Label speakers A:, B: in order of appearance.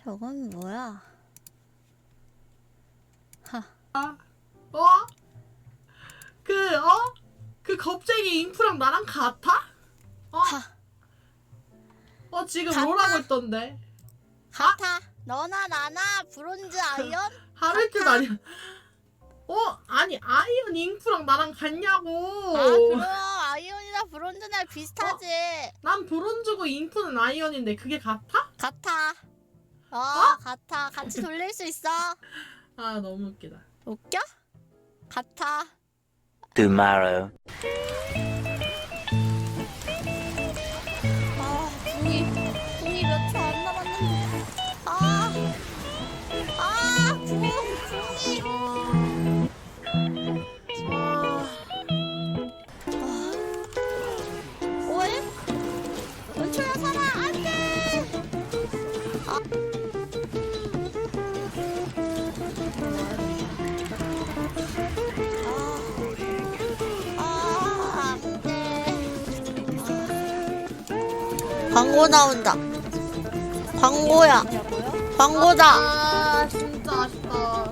A: 저건 뭐야? 하.
B: 어? 그 겁쟁이 잉프랑 나랑 같아? 지금
A: 같아?
B: 롤하고 있던데.
A: 같아. 너나 나나 브론즈 아이언?
B: 하를 뜻 아니야. 아니 아이언 잉프랑 나랑 같냐고.
A: 그럼 아이언이랑 브론즈랑 비슷하지.
B: 난 브론즈고 잉프는 아이언인데 그게 같아?
A: 같아. 같아. 같이 돌릴 수 있어.
B: 아 너무 웃기다.
A: 웃겨? 같아.
C: Tomorrow.
A: 궁이 몇 초 안 남았는데. 궁이. 오해? 은초야 살아. 안 돼. 안 돼. 광고 나온다. 광고야. 광고다.
B: 진짜 아쉽다.